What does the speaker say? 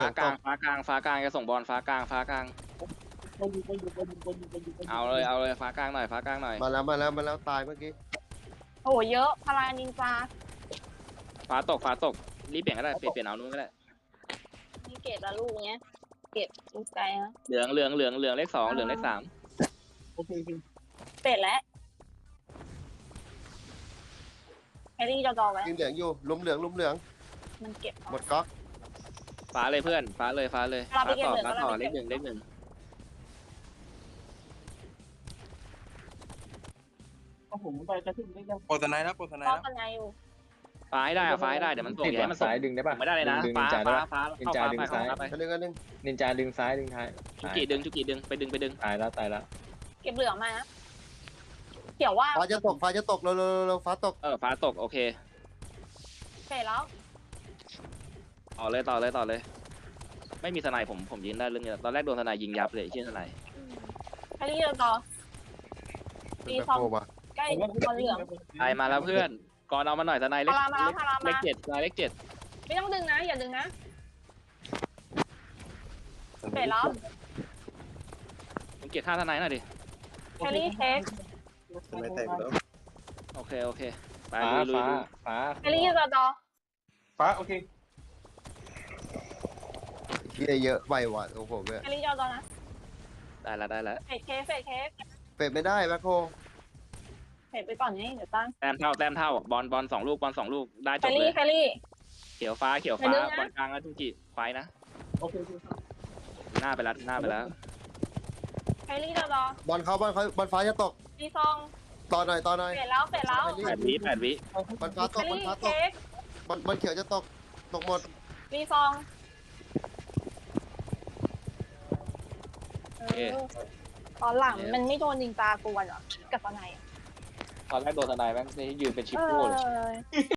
ฟ้ากลางฟ้ากลางฟ้ากลางจะส่งบอลฟ้ากลางฟ้ากลางเอาเลยฟ้ากลางหน่อยฟ้ากลางหน่อยมาแล้วตายเมื่อกี้โอ้โหเยอะพารานินจาฟ้าตกรีบเปลี่ยนก็ได้เปลี่ยนเอานู้นก็ได้นี่เก็บละลูกเนี้ยเก็บลูกไกลนะเหลืองเลขสองเหลืองเลขสามเป็ดแล้วแฮร์รี่จะดอไว้ยิงเหลืองอยู่ลุมเหลืองมันเก็บหมดก๊อกฟ้าเลยเพื่อนฟ้าเลยฟ้าต่อเลขหนึ่งโปรตไนท์นะโปรตไนป้อท์งนะกันไงอยู่ฟ้าให้ได้เดี๋ยวมันส่งติดให้มันส่งซ้ายดึงได้ป่ะไม่ได้เลยนะดึงฟ้านินจาได้ป่ะฟ้านินจาดึงซ้ายไปอันหนึ่งนินจาดึงซ้ายดึงท้ายจุกิดึงไปดึงตายแล้วเก็บเหลืองมานะเขียวว่าฟ้าจะตกเร็วฟ้าตกฟ้าตกโอเคเป็ดแล้วต่อเลยไม่มีทนายผมยิงได้เรื่องนี้ตอนแรกโดนทนายยิงยับเลยชื่อทนายแฮร์รี่จะดอเป็นแบ็คโฮว่ะใกล้บอลเหลืองตายมาแล้วเพื่อนก่อนเอามาหน่อยทนายเลขพารามาเลขเจ็ดทนายเลขเจ็ดไม่ต้องดึงนะอย่าดึงนะเป็ดแล้วผมเก็บท่าทนายหน่อยดิแฮร์รี่เช็คทนายแตกแล้วโอเคไปฟ้าลุยฟ้าแฮร์รี่จะดอฟ้าโอเคที่เยอะไปว่ะโอ้โหเนี่ยแฮร์รี่จะดอนะได้แล้วเฟดเค้กเป็ดไม่ได้แบ็คโฮเฟดไปก่อนนี่เดี๋ยวตั้งแต้มเท่าบอลสองลูกได้จแฮบร์เลรี่ยแฮร์รี่เขียวฟ้าไปดึงนะบอลกลางแล้วจุกิไฟนะหน้าไปแล้วแฮร์รี่จะดอบอลฟ้าจะตกดีซองต่อหน่อยเฟดแล้ว 8 วิบอลฟ้าตแฮกร์บอลรี่ฟ้าตกเค้กบอลเขียวจะตกหมดดีซองตอนหลังมันไม่โดนยิงตากวนเหรอกับตอนไหนตอนแรกโดนทนายแม่งนี่ยืนเป็นชิปเอโป้เลยอ